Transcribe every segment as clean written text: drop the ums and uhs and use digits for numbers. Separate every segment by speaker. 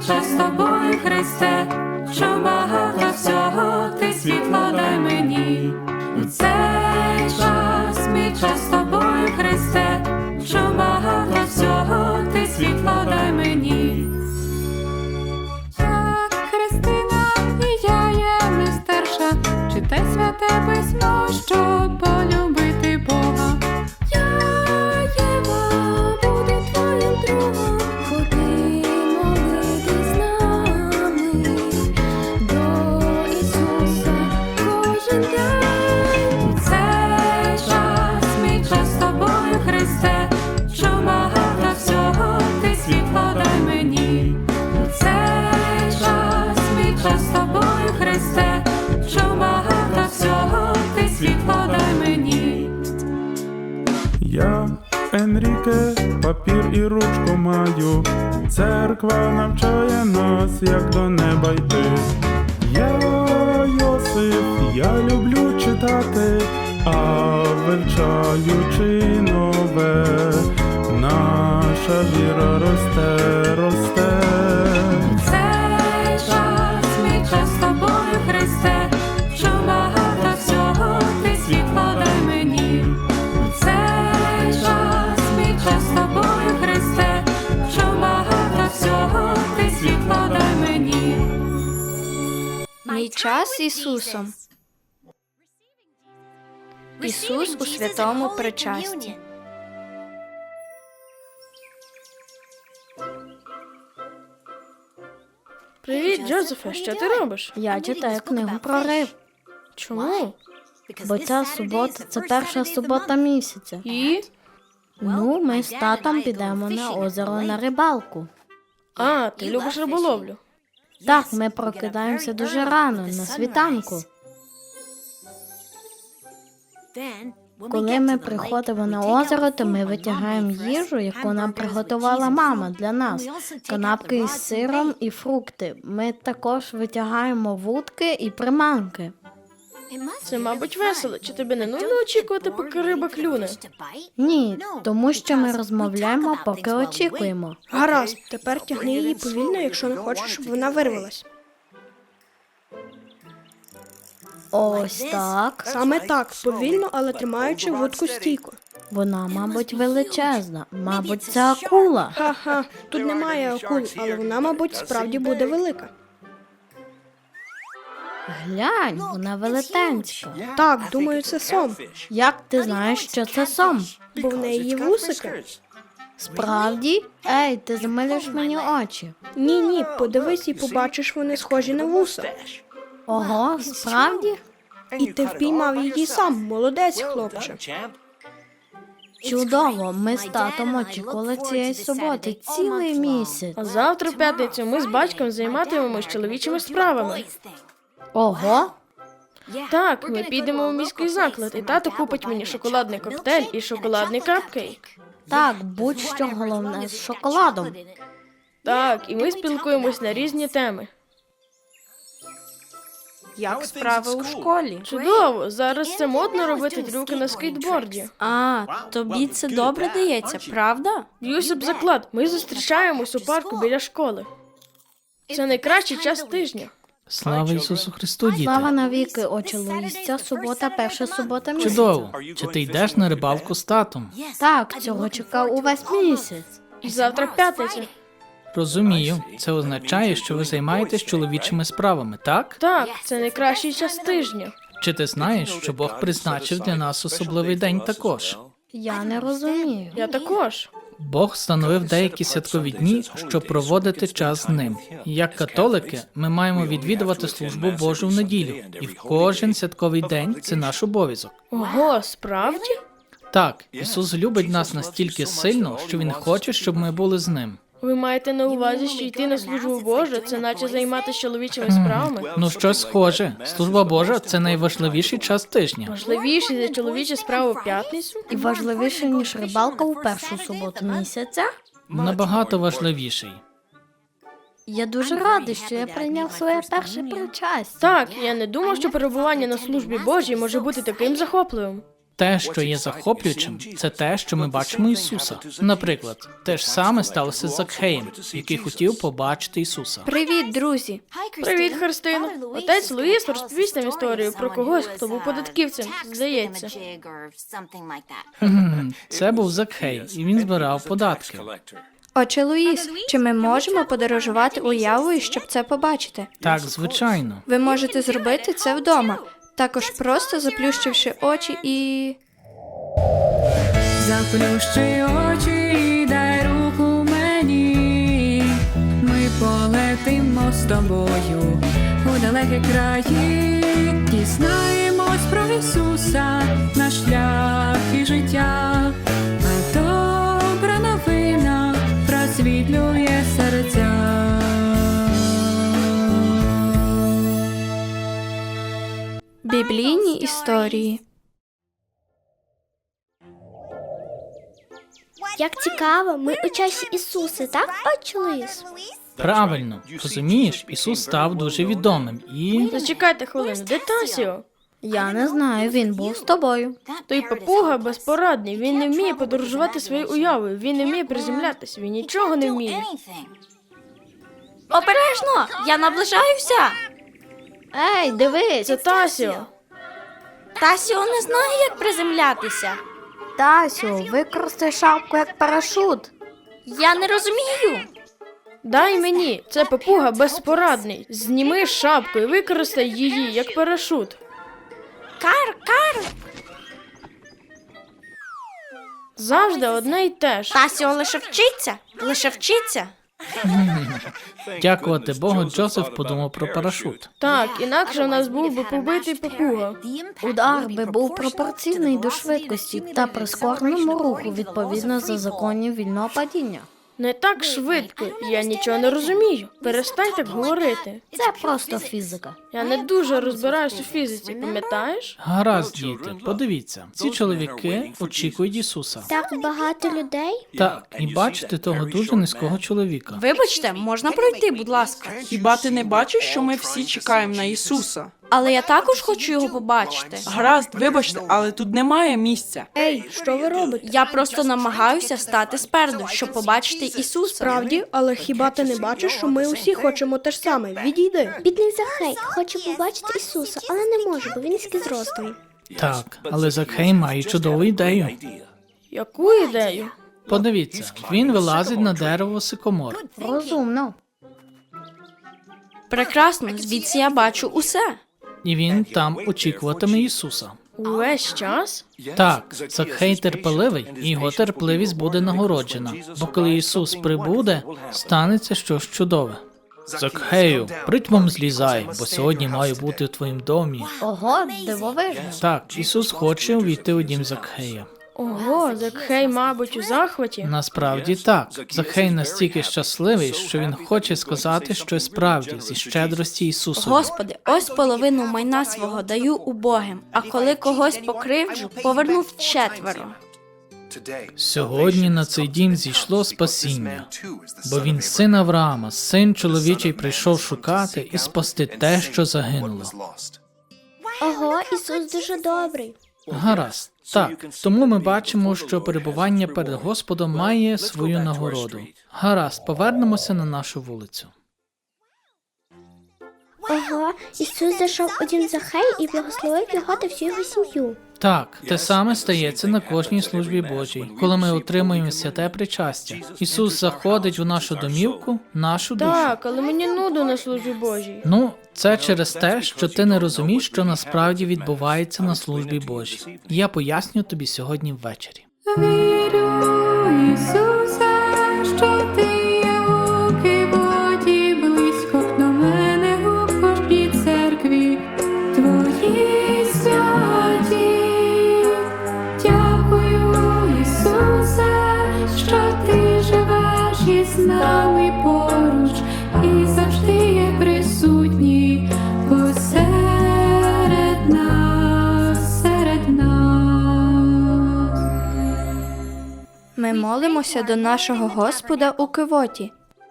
Speaker 1: час з тобою, Христе, що багато всього ти світло дай мені. У цей час, мій час з тобою, Христе, що багато всього ти світло дай мені. Так, Христина, і я є мистерша, читай святе письмо, щоб полюбити Бога. Я, Єва, буду твоїм другом, ходи молитись з нами до Ісуса кожен день. У цей час, мій час з тобою, Христе, що багато всього ти світло дай мені. У цей час, мій час з тобою, Христе, що багато всього ти світло дай мені.
Speaker 2: Я, Енріке, папір і ручку маю. Церква навчає нас, як до неба йти. Я, Йосип, я люблю читати, а вивчаючи нове, наша віра росте, росте.
Speaker 1: Цей час, мій час з тобою, Христе, що багато всього ти світло дай мені. Цей час, мій час з тобою, Христе, що багато всього ти світло дай мені.
Speaker 3: Мій час з Ісусом. Ісус у святому причасті.
Speaker 4: Привіт, Джозефе, що ти робиш?
Speaker 3: Я читаю книгу про риб.
Speaker 4: Чому?
Speaker 3: Бо ця субота – це перша субота місяця.
Speaker 4: І?
Speaker 3: Ну, ми з татом підемо на озеро на рибалку.
Speaker 4: А, ти любиш риболовлю.
Speaker 3: Так, ми прокидаємося дуже рано, на світанку. Коли ми приходимо на озеро, то ми витягаємо їжу, яку нам приготувала мама для нас. Канапки із сиром і фрукти. Ми також витягаємо вудки і приманки.
Speaker 4: Це, мабуть, весело. Чи тобі не нудно очікувати, поки риба клюне?
Speaker 3: Ні, тому що ми розмовляємо, поки очікуємо.
Speaker 5: Гаразд, тепер тягни її повільно, якщо не хочеш, щоб вона вирвалась.
Speaker 3: Ось так.
Speaker 5: Саме так, повільно, але тримаючи вудку стійко.
Speaker 3: Вона, мабуть, величезна. Мабуть, це акула.
Speaker 5: Ха-ха, тут немає акул, але вона, мабуть, справді буде велика.
Speaker 3: Глянь, вона велетенська.
Speaker 5: Так, думаю, це сом,
Speaker 3: Як ти знаєш, що це сом?
Speaker 5: бо в неї є вусики.
Speaker 3: Справді? Ей, ти замилюєш мені очі.
Speaker 5: Ні, подивись і побачиш, вони схожі на вуса.
Speaker 3: Ого, справді?
Speaker 5: І ти впіймав її сам, молодець, хлопче.
Speaker 3: Чудово, ми з татом очікували цієї суботи цілий місяць.
Speaker 4: А завтра, в п'ятницю, ми з батьком займатимемось чоловічими справами.
Speaker 3: Ого,
Speaker 4: Так, ми підемо у міський заклад, і тато купить мені шоколадний коктейль і шоколадний капкейк.
Speaker 3: так, будь-що головне з шоколадом.
Speaker 4: Так, і ми спілкуємось на різні теми.
Speaker 6: Як справи у школі?
Speaker 4: Чудово! Зараз це модно робити трюки на скейтборді.
Speaker 6: А, тобі це добре дається, правда?
Speaker 4: Б'юся б заклад, ми зустрічаємось у парку біля школи. Це найкращий час тижня.
Speaker 7: Слава Ісусу Христу, діти!
Speaker 3: Слава навіки, отче Луїс, ця субота – перша субота місяця.
Speaker 7: Чудово! Чи ти йдеш на рибалку з татом?
Speaker 3: Так, цього чекав увесь місяць.
Speaker 4: Завтра п'ятниця.
Speaker 7: Розумію. Це означає, що ви займаєтесь чоловічими справами, так?
Speaker 4: Так, це найкращий час тижня.
Speaker 7: Чи ти знаєш, що Бог призначив для нас особливий день також?
Speaker 3: Я не розумію.
Speaker 4: Я також.
Speaker 7: Бог встановив деякі святкові дні, щоб проводити час з ним. Як католики, ми маємо відвідувати службу Божу в неділю, і в кожен святковий день це наш обов'язок.
Speaker 4: Ого, справді?
Speaker 7: Так, Ісус любить нас настільки сильно, що Він хоче, щоб ми були з ним.
Speaker 4: Ви маєте на увазі, що йти на службу Божу – це наче займатися чоловічими справами?
Speaker 7: Ну, щось схоже. Служба Божа – це найважливіший час тижня.
Speaker 4: Важливіше за чоловічі справи в п'ятницю?
Speaker 3: І важливіше, ніж рибалка у першу суботу місяця?
Speaker 7: Набагато важливіший.
Speaker 3: Я дуже радий, що я прийняв своє перше причастя.
Speaker 4: Так, я не думав, що перебування на службі Божій може бути таким захопливим.
Speaker 7: Те, що є захоплюючим, це те, що ми бачимо Ісуса. Наприклад, те ж саме сталося з Закхеєм, який хотів побачити Ісуса.
Speaker 5: Привіт, друзі!
Speaker 4: Привіт, Христино. Отець Луїс розповість нам історію про когось, хто був податківцем, здається.
Speaker 7: Це був Закхей, і він збирав податки.
Speaker 5: Отче Луїс, чи ми можемо подорожувати уявою, щоб це побачити?
Speaker 7: Так, звичайно.
Speaker 5: Ви можете зробити це вдома, також просто заплющивши очі і...
Speaker 1: Заплющи очі і дай руку мені. Ми полетимо з тобою у далекі краї. Дізнаємось про Ісуса, наш шлях і життя. А добра новина просвітлює серця.
Speaker 5: Біблійні історії.
Speaker 8: Як цікаво, ми у часі Ісуса, так, Отче Луїс?
Speaker 7: Правильно, розумієш, Ісус став дуже відомим і...
Speaker 4: Зачекайте хвилину, де Тасіо?
Speaker 3: Я не знаю, він був з тобою.
Speaker 4: Той папуга безпорадний, він не вміє подорожувати своєю уявою, він не вміє приземлятися, він нічого не вміє.
Speaker 6: Обережно! Я наближаюся!
Speaker 3: Ей, дивись!
Speaker 4: Це Тасіо.
Speaker 6: Тасіо не знає, як приземлятися.
Speaker 3: Тасю, використай шапку як парашут.
Speaker 6: Я не розумію.
Speaker 4: Дай мені, це папуга безпорадний. Зніми шапку і використай її як парашут.
Speaker 6: Кар!
Speaker 4: Завжди одне й те ж.
Speaker 6: Тасіо лише вчиться.
Speaker 7: Дякувати Богу, Джозеф подумав про парашут.
Speaker 4: Так, інакше в нас був би побитий папуга.
Speaker 3: Удар би був пропорційний до швидкості та прискореному руху відповідно за законів вільного падіння.
Speaker 4: Не так швидко, я нічого не розумію. Перестань так говорити.
Speaker 3: Це просто фізика.
Speaker 4: Я не дуже розбираюсь у фізиці, пам'ятаєш?
Speaker 7: Гаразд, діти, подивіться, ці чоловіки очікують Ісуса.
Speaker 8: Так багато людей?
Speaker 7: Так, і бачите того дуже низького чоловіка.
Speaker 6: Вибачте, можна пройти, будь ласка.
Speaker 9: Хіба ти не бачиш, що ми всі чекаємо на Ісуса?
Speaker 6: Але я також хочу його побачити.
Speaker 9: Гаразд, вибачте, але тут немає місця.
Speaker 5: Ей, що ви робите?
Speaker 6: Я просто намагаюся стати спереду, щоб побачити Ісуса.
Speaker 5: Справді, але хіба ти не бачиш, що ми усі хочемо те ж саме? Відійди.
Speaker 8: Бідний Захей хоче побачити Ісуса, але не може, бо він низький зростом.
Speaker 7: Так, але Закхей має чудову ідею.
Speaker 4: Яку ідею?
Speaker 7: Подивіться, він вилазить на дерево сикомор.
Speaker 3: Розумно.
Speaker 6: Прекрасно, звідси я бачу усе.
Speaker 7: І він там очікуватиме Ісуса.
Speaker 4: Увесь час?
Speaker 7: Так, Закхей терпеливий, і його терпеливість буде нагороджена. Бо коли Ісус прибуде, станеться щось чудове. Закхею, притьмом злізай, бо сьогодні маю бути в твоїм домі.
Speaker 3: Ого, дивовижно.
Speaker 7: Так, Ісус хоче увійти у дім Закхея.
Speaker 4: Ого, Закхей, мабуть, у захваті.
Speaker 7: Насправді так. Закхей настільки щасливий, що він хоче сказати щось справді зі щедрості Ісусу.
Speaker 6: Господи, ось половину майна свого даю убогим, а коли когось покривджу, повернув четверо.
Speaker 7: Сьогодні на цей дім зійшло спасіння, бо він син Авраама, син чоловічий прийшов шукати і спасти те, що загинуло.
Speaker 8: Ого, Ісус дуже добрий.
Speaker 7: Гаразд. Так, тому ми бачимо, що перебування перед Господом має свою нагороду. Гаразд, повернемося на нашу вулицю.
Speaker 8: Ого, Ісус зайшов у дім Захея і благословив його та всю його сім'ю.
Speaker 7: Так, те саме стається на кожній службі Божій, коли ми отримуємо святе причастя. Ісус заходить у нашу домівку, нашу душу.
Speaker 4: Так, але мені нудно на службі Божій.
Speaker 7: Ну, це через те, що ти не розумієш, що насправді відбувається на службі Божій. Я поясню тобі сьогодні ввечері.
Speaker 1: Вірю, Ісусе, що ти є у Кивоті, близько до мене у кожній церкві. Твої святі. Дякую, Ісусе, що ти живеш із нами поруч і завжди є присутній посеред нас, серед нас.
Speaker 5: Ми молимося до нашого Господа у Кивоті.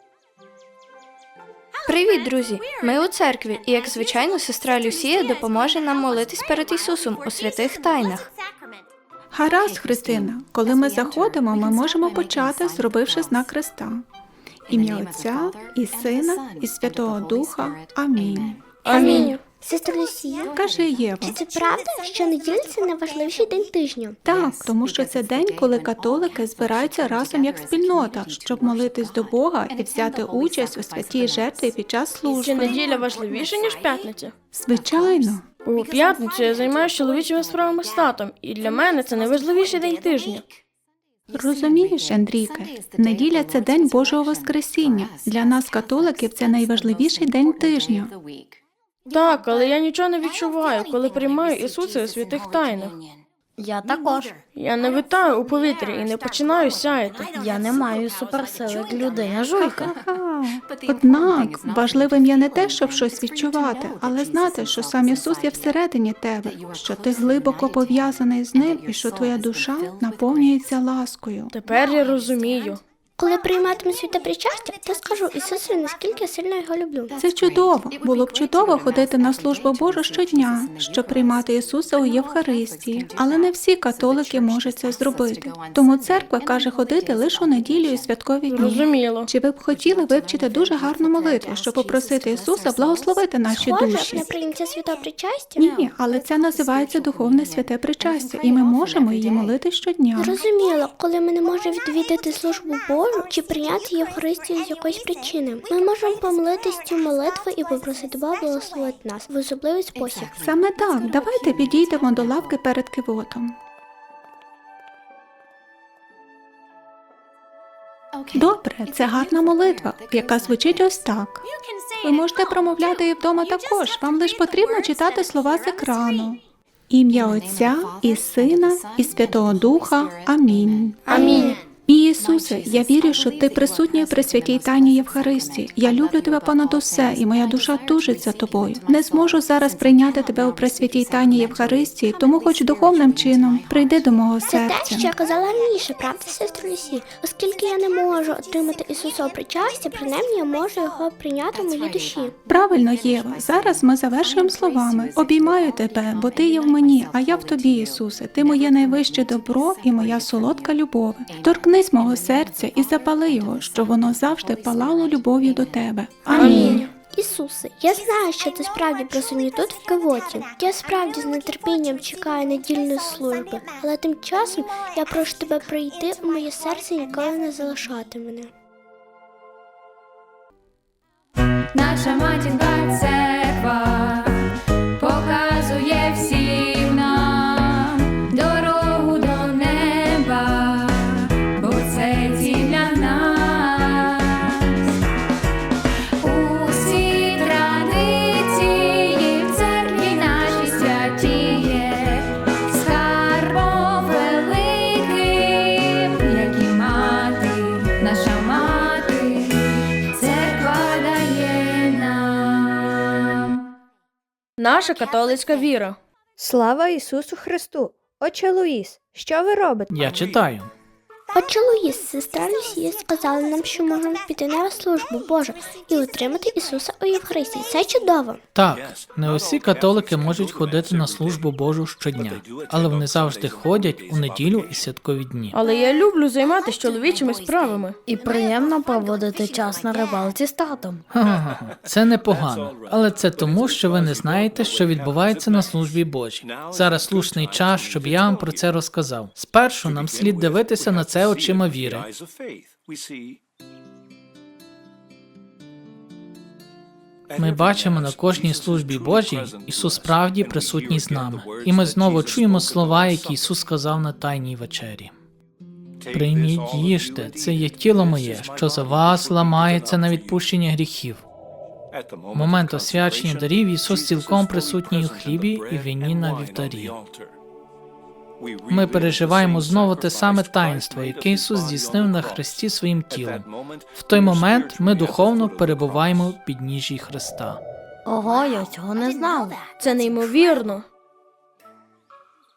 Speaker 5: Привіт, друзі! Ми у церкві, і, як звичайно, сестра Люсія допоможе нам молитись перед Ісусом у святих тайнах.
Speaker 10: Гаразд, Христина, коли ми заходимо, ми можемо почати, зробивши знак Христа. Ім'я Отця, і Сина, і Святого Духа. Амінь.
Speaker 4: Амінь.
Speaker 8: Сестра Люсія,
Speaker 10: Кажи, Єва.
Speaker 8: чи це правда, що неділя – це найважливіший день тижня?
Speaker 10: Так, тому що це день, коли католики збираються разом як спільнота, щоб молитись до Бога і взяти участь у святій жертві під час
Speaker 4: Чи
Speaker 10: служби.
Speaker 4: неділя важливіша, ніж п'ятниця?
Speaker 10: Звичайно.
Speaker 4: У п'ятницю я займаюся чоловічими справами з татом, і для мене це найважливіший день тижня.
Speaker 10: Розумієш, Енріке, неділя – це день Божого Воскресіння. Для нас, католиків, це найважливіший день тижня.
Speaker 4: Так, але я нічого не відчуваю, коли приймаю Ісуса у святих тайнах.
Speaker 3: Я також.
Speaker 4: Я не витаю у повітрі і не починаю сяяти.
Speaker 3: Я не маю суперсили як людина жуйка.
Speaker 10: Ха. Однак, важливим є не те, щоб щось відчувати, але знати, що сам Ісус є всередині тебе, що ти глибоко пов'язаний з Ним і що твоя душа наповнюється ласкою.
Speaker 4: Тепер я розумію.
Speaker 8: Коли прийматиму святе причастя, то скажу Ісусу, наскільки сильно його люблю.
Speaker 10: Це чудово. Було б чудово ходити на службу Божу щодня, щоб приймати Ісуса у Євхаристії. Але не всі католики можуть це зробити. Тому церква каже ходити лише у неділю і святкові дні.
Speaker 4: Розуміло.
Speaker 10: Чи ви б хотіли вивчити дуже гарну молитву, щоб попросити Ісуса благословити наші
Speaker 8: Схоже
Speaker 10: душі?
Speaker 8: на прийняття святого причастя?
Speaker 10: Ні, але це називається духовне святе причастя, і ми можемо її молити щодня.
Speaker 8: Зрозуміло, коли ми не можемо відвідати службу Божу чи прийняти Євхаристію з якоїсь причини, ми можемо помолитись цю молитву і попросити Бога благословити нас в особливий спосіб.
Speaker 10: Саме так, давайте підійдемо до лавки перед кивотом. Добре, це гарна молитва, яка звучить ось так. Ви можете промовляти її вдома також, вам лише потрібно читати слова з екрану. Ім'я Отця, і Сина, і Святого Духа. Амінь.
Speaker 4: Амінь.
Speaker 10: Мій Ісусе, я вірю, що Ти присутній при святій тайні Євхаристії. Я люблю Тебе понад усе, і моя душа тужить за Тобою. Не зможу зараз прийняти Тебе у пресвятій тайні Євхаристії, тому хоч духовним чином прийди до мого
Speaker 8: Це те,
Speaker 10: серця.
Speaker 8: що я казала раніше, правда, сестра Люсі? Оскільки я не можу отримати Ісуса у причастя, принаймні я можу його прийняти в моїй душі.
Speaker 10: Правильно, Єва. Зараз ми завершуємо словами. Обіймаю Тебе, бо Ти є в мені, а я в Тобі, Ісусе. Ти моє найвище добро і моя солодка любов. Торкнись мого серця і запали його, щоб воно завжди палало любов'ю до Тебе. Амінь.
Speaker 8: Ісусе, я знаю, що ти справді присутній тут в Кивоті. Я справді з нетерпінням чекаю недільної служби, але тим часом я прошу тебе прийти у моє серце і ніколи не залишати мене.
Speaker 1: Наша матінка церква показує всім нам дорогу до неба, бо це ціль для нас. Усі традиції в церкві нашій святіє, скарбом великим, як і мати, наша мати, церква дає нам.
Speaker 4: Наша католицька віра.
Speaker 5: Слава Ісусу Христу! Отче Луїс, що ви робите?
Speaker 7: Я читаю.
Speaker 8: Отче Луїс, сестра Люсія сказала нам, що можемо піти на службу Божу і отримати Ісуса у Євхаристії. Це чудово.
Speaker 7: Так, не усі католики можуть ходити на службу Божу щодня, але вони завжди ходять у неділю і святкові дні.
Speaker 4: Але я люблю займатися чоловічими справами.
Speaker 3: І приємно проводити час на рибалці з татом.
Speaker 7: Ха-ха-ха. Це непогано, але це тому, що ви не знаєте, що відбувається на службі Божій. Зараз слушний час, щоб я вам про це розказав. Спершу нам слід дивитися на це очима віри. Ми бачимо на кожній службі Божій, Ісус справді присутній з нами. І ми знову чуємо слова, які Ісус сказав на Тайній вечері. Прийміть, їжте, це є тіло моє, що за вас ламається на відпущення гріхів. В момент освячення дарів Ісус цілком присутній у хлібі і вині на вівтарі. Ми переживаємо знову те саме таїнство, яке Ісус здійснив на хресті своїм тілом. В той момент ми духовно перебуваємо в підніжжі Христа.
Speaker 3: Ого, я цього не знала.
Speaker 4: Це неймовірно.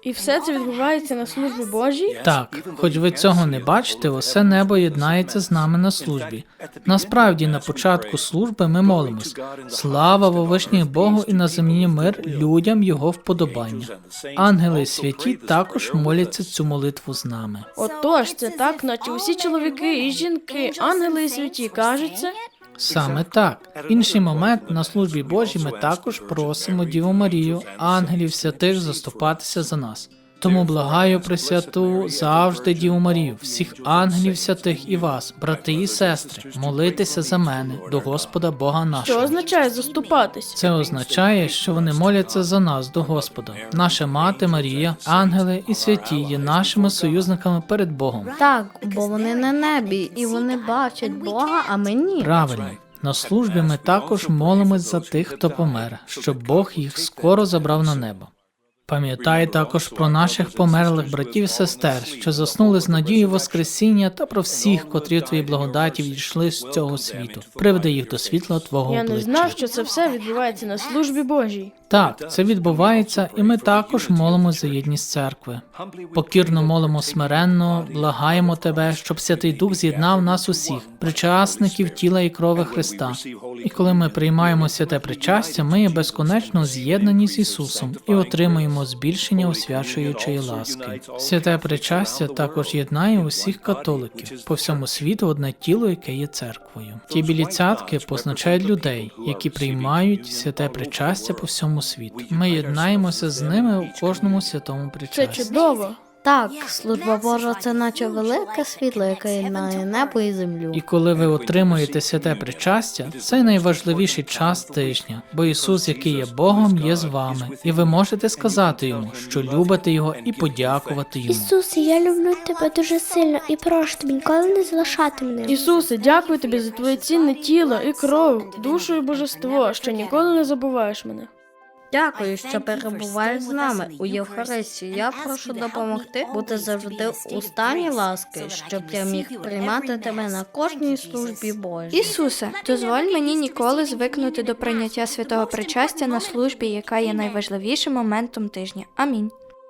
Speaker 4: І все це відбувається на службі Божій?
Speaker 7: Так, хоч ви цього не бачите, усе небо єднається з нами на службі. Насправді, на початку служби ми молимось. Слава вовишніх Богу і на землі мир людям його вподобання. Ангели і святі також моляться цю молитву з нами.
Speaker 4: Отож, це так, наче усі чоловіки і жінки, ангели і святі кажуть це?
Speaker 7: Саме так. В інший момент на службі Божій ми також просимо Діву Марію, ангелів святих заступатися за нас. Тому благаю Пресвяту завжди Діву Марію, всіх ангелів святих і вас, брати і сестри, молитися за мене до Господа Бога
Speaker 4: Що
Speaker 7: нашого.
Speaker 4: означає заступатись?
Speaker 7: Це означає, що вони моляться за нас до Господа. Наша мати Марія, ангели і святі є нашими союзниками перед Богом.
Speaker 3: Так, бо вони на небі, і вони бачать Бога, а ми ні.
Speaker 7: Правильно. На службі ми також молимось за тих, хто помер, щоб Бог їх скоро забрав на небо. Пам'ятай також про наших померлих братів і сестер, що заснули з надією Воскресіння, та про всіх, котрі в твоїй благодаті відійшли з цього світу. Приведи їх до світла твого
Speaker 4: Я не
Speaker 7: обличчя.
Speaker 4: знав, що це все відбувається на службі Божій.
Speaker 7: Так, це відбувається, і ми також молимось за єдність церкви. Покірно молимо смиренно, благаємо тебе, щоб Святий Дух з'єднав нас усіх, причасників тіла і крови Христа. І коли ми приймаємо святе причастя, ми є безконечно з'єднані з Ісусом і отримуємо збільшення освячуючої ласки. Святе причастя також єднає усіх католиків по всьому світу одне тіло, яке є церквою. Ті білі цятки позначають людей, які приймають святе причастя по всьому світу. Ми єднаємося з ними у кожному святому
Speaker 4: Це
Speaker 7: причасті.
Speaker 4: чудово.
Speaker 3: Так, служба Божа – це наче велике світло, яке єднає небо і землю.
Speaker 7: І коли ви отримуєте святе причастя, це найважливіший час тижня, бо Ісус, який є Богом, є з вами, і ви можете сказати Йому, що любите Його, і подякувати Йому.
Speaker 8: Ісусе, я люблю тебе дуже сильно і прошу тебе ніколи не залишати мене.
Speaker 4: Ісусе, дякую тобі за твоє цінне тіло і кров, душу і божество, що ніколи не забуваєш мене.
Speaker 3: Дякую, що перебуваєш з нами у Євхаристії. Я прошу допомогти бути завжди у стані ласки, щоб я міг приймати тебе на кожній службі Божій.
Speaker 5: Ісусе, дозволь мені ніколи звикнути до прийняття святого причастя на службі, яка є найважливішим моментом тижня. Амінь.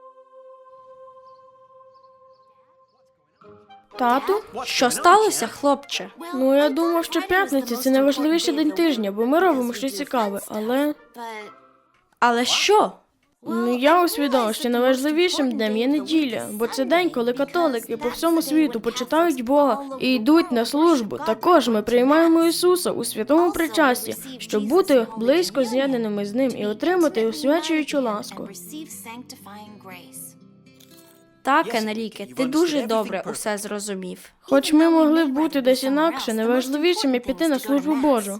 Speaker 4: Тату?
Speaker 6: Що сталося, хлопче?
Speaker 4: Ну, я думав, що п'ятниця – це найважливіший день тижня, бо ми робимо щось цікаве, але...
Speaker 6: Але що?
Speaker 4: Ну, я усвідомив, що найважливішим днем є неділя, бо це день, коли католики по всьому світу почитають Бога і йдуть на службу. Також ми приймаємо Ісуса у святому причасті, щоб бути близько з'єднаними з Ним і отримати освячуючу ласку.
Speaker 6: Так, Енріке, ти дуже добре усе зрозумів.
Speaker 4: Хоч ми могли б бути десь інакше, найважливішим є піти на службу Божу.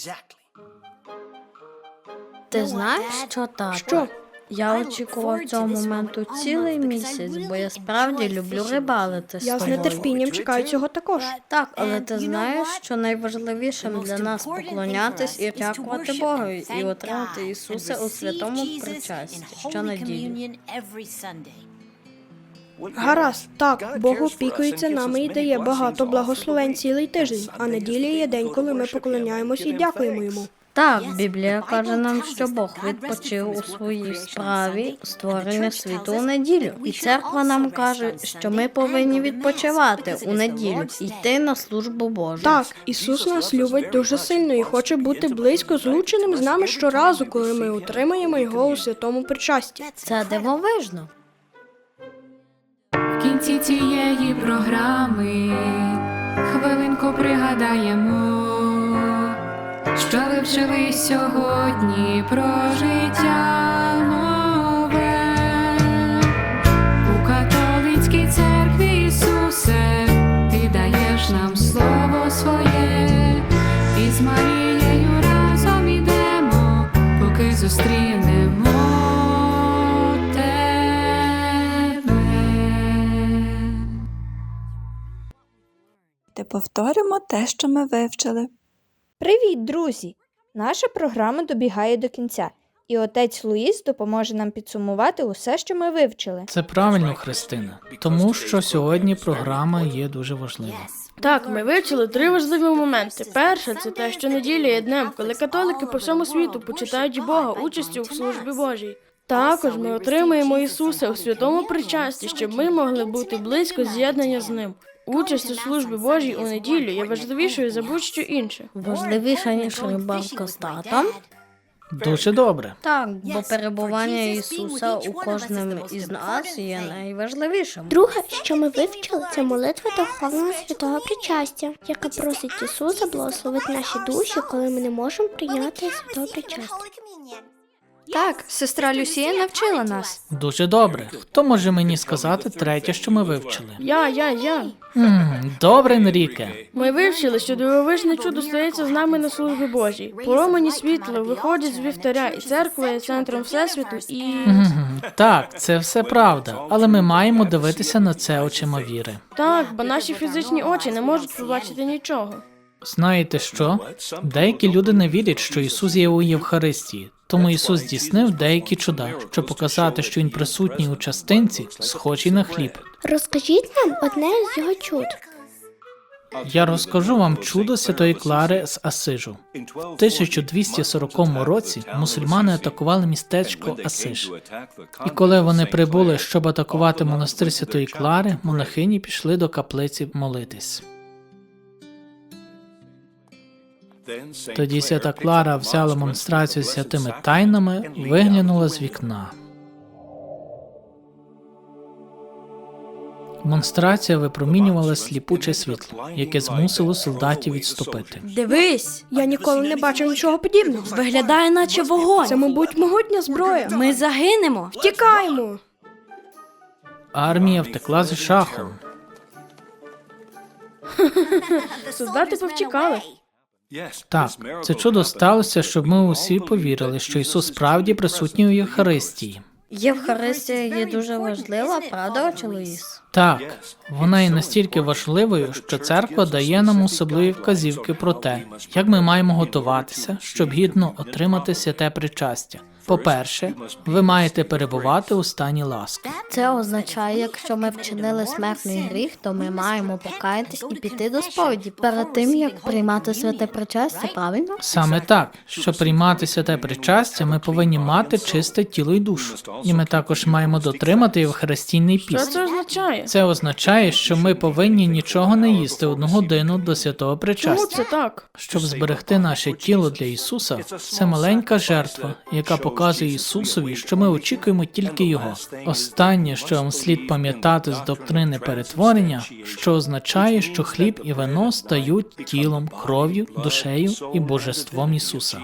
Speaker 3: Ти знаєш, що так?
Speaker 4: Що?
Speaker 3: Я очікував цього моменту цілий місяць, бо я справді люблю рибалити з
Speaker 11: Я з
Speaker 3: тобою.
Speaker 11: нетерпінням чекаю цього також.
Speaker 3: Так, але ти знаєш, що найважливішим для нас поклонятись і дякувати Богу, і отримати Ісуса у святому причасті щонеділі.
Speaker 11: Гаразд, так, Бог опікується нами і дає багато благословень цілий тиждень, а неділя є день, коли ми поклоняємось і дякуємо йому.
Speaker 3: Так, Біблія каже нам, що Бог відпочив у своїй справі створення світу у неділю. І церква нам каже, що ми повинні відпочивати у неділю і йти на службу Божу.
Speaker 11: Так, Ісус нас любить дуже сильно і хоче бути близько злученим з нами щоразу, коли ми отримаємо його у святому причасті.
Speaker 3: Це дивовижно.
Speaker 1: В кінці цієї програми хвилинку пригадаємо, що ви вчили сьогодні про життя нове. У католицькій церкві, Ісусе, ти даєш нам слово своє, і з Марією разом ідемо, поки зустрінемо тебе.
Speaker 12: Повторимо те, що ми вивчили.
Speaker 5: Привіт, друзі! Наша програма добігає до кінця, і отець Луїс допоможе нам підсумувати усе, що ми вивчили.
Speaker 7: Це правильно, Христина, тому що сьогодні програма є дуже важлива.
Speaker 4: Так, ми вивчили 3 важливі моменти. Перше – це те, що неділя є днем, коли католики по всьому світу почитають Бога участю в службі Божій. Також ми отримаємо Ісуса у святому причасті, щоб ми могли бути близько з'єднання з Ним. Участь у службі Божій у неділю є важливішою за будь-що інше.
Speaker 3: Важливіше, ніж рибалка з татом?
Speaker 7: Дуже добре.
Speaker 3: Так, бо перебування Ісуса у кожному із нас є найважливішим.
Speaker 8: Друге, що ми вивчили, це молитва Духовного Святого Причастя, яка просить Ісуса благословити наші душі, коли ми не можемо прийняти Святого Причастя.
Speaker 5: Так, сестра Люсія навчила нас.
Speaker 7: Дуже добре. Хто може мені сказати третє, що ми вивчили?
Speaker 4: Я.
Speaker 7: Добре, Енріке.
Speaker 4: Ми вивчили, що дивовижне чудо стається з нами на службі Божій. Промені світла виходять з вівтаря, і церква є центром Всесвіту, і...
Speaker 7: Так, це все правда, але ми маємо дивитися на це очима віри.
Speaker 4: Так, бо наші фізичні очі не можуть побачити нічого.
Speaker 7: Знаєте що? Деякі люди не вірять, що Ісус є у Євхаристії. Тому Ісус здійснив деякі чуда, щоб показати, що Він присутній у частинці, схожій на хліб.
Speaker 8: Розкажіть нам одне з його чуд.
Speaker 7: Я розкажу вам чудо Святої Клари з Асижу. В 1240 році мусульмани атакували містечко Асиж. І коли вони прибули, щоб атакувати монастир Святої Клари, монахині пішли до каплиці молитись. Тоді Свята Клара взяла монстрацію з святими тайнами і виглянула з вікна. Монстрація випромінювала сліпуче світло, яке змусило солдатів відступити.
Speaker 6: Дивись,
Speaker 11: Я ніколи не бачив нічого подібного.
Speaker 6: виглядає наче вогонь.
Speaker 11: Це, мабуть, могутня зброя.
Speaker 6: Ми загинемо.
Speaker 11: Втікаємо!
Speaker 7: Армія втекла з шахом.
Speaker 4: Солдати повтікали.
Speaker 7: Так, це чудо сталося, щоб ми усі повірили, що Ісус справді присутній у Євхаристії.
Speaker 3: Євхаристія є дуже важлива, правда, отче Луїс?
Speaker 7: Так, вона є настільки важливою, що церква дає нам особливі вказівки про те, як ми маємо готуватися, щоб гідно отримати святе причастя. По-перше, ви маєте перебувати у стані ласки.
Speaker 3: Це означає, якщо ми вчинили смертний гріх, то ми маємо покаятись і піти до сповіді перед тим, як приймати святе причастя, правильно?
Speaker 7: Саме так, щоб приймати святе причастя, ми повинні мати чисте тіло і душу. І ми також маємо дотримати Євхаристійний
Speaker 4: Що
Speaker 7: піст.
Speaker 4: це означає?
Speaker 7: Це означає, що ми повинні нічого не їсти 1 годину до святого
Speaker 4: Чому
Speaker 7: причастя.
Speaker 4: це так?
Speaker 7: Щоб зберегти наше тіло для Ісуса, це маленька жертва, яка показує Ісусові, що ми очікуємо тільки Його. Останнє, що вам слід пам'ятати з доктрини перетворення, що означає, що хліб і вино стають тілом, кров'ю, душею і божеством Ісуса.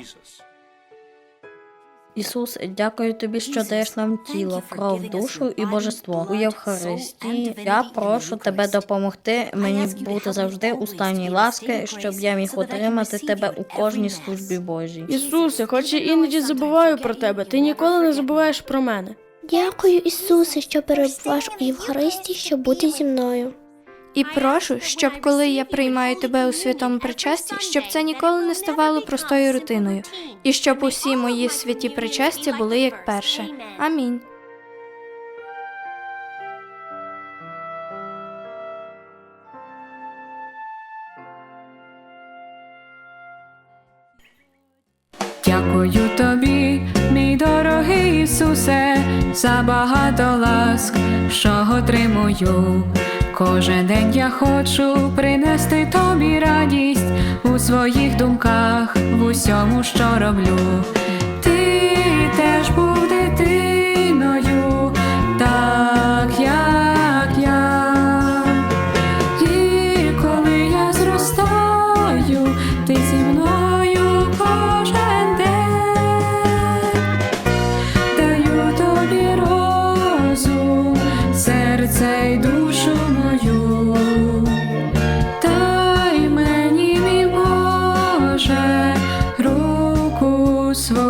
Speaker 3: Ісус, дякую тобі, що даєш нам тіло, кров, душу і божество. У Євхаристії я прошу тебе допомогти мені бути завжди у стані ласки, щоб я міг отримати тебе у кожній службі Божій.
Speaker 4: Ісусе, хоч я іноді забуваю про тебе, ти ніколи не забуваєш про мене.
Speaker 8: Дякую, Ісусе, що перебуваєш у Євхаристії, щоб бути зі мною.
Speaker 5: І прошу, щоб коли я приймаю тебе у святому причасті, щоб це ніколи не ставало простою рутиною, і щоб усі мої святі причастя були як перше. Амінь.
Speaker 1: Дякую тобі, мій дорогий Ісусе, за багато ласк, що отримую. Кожен день я хочу принести тобі радість у своїх думках, в усьому, що роблю. Ти теж був дитиною, так як я. І коли я зростаю, ти зі мною кожен день. Даю тобі розум, серце й душу мою. Дай мені, мій Боже, руку свою.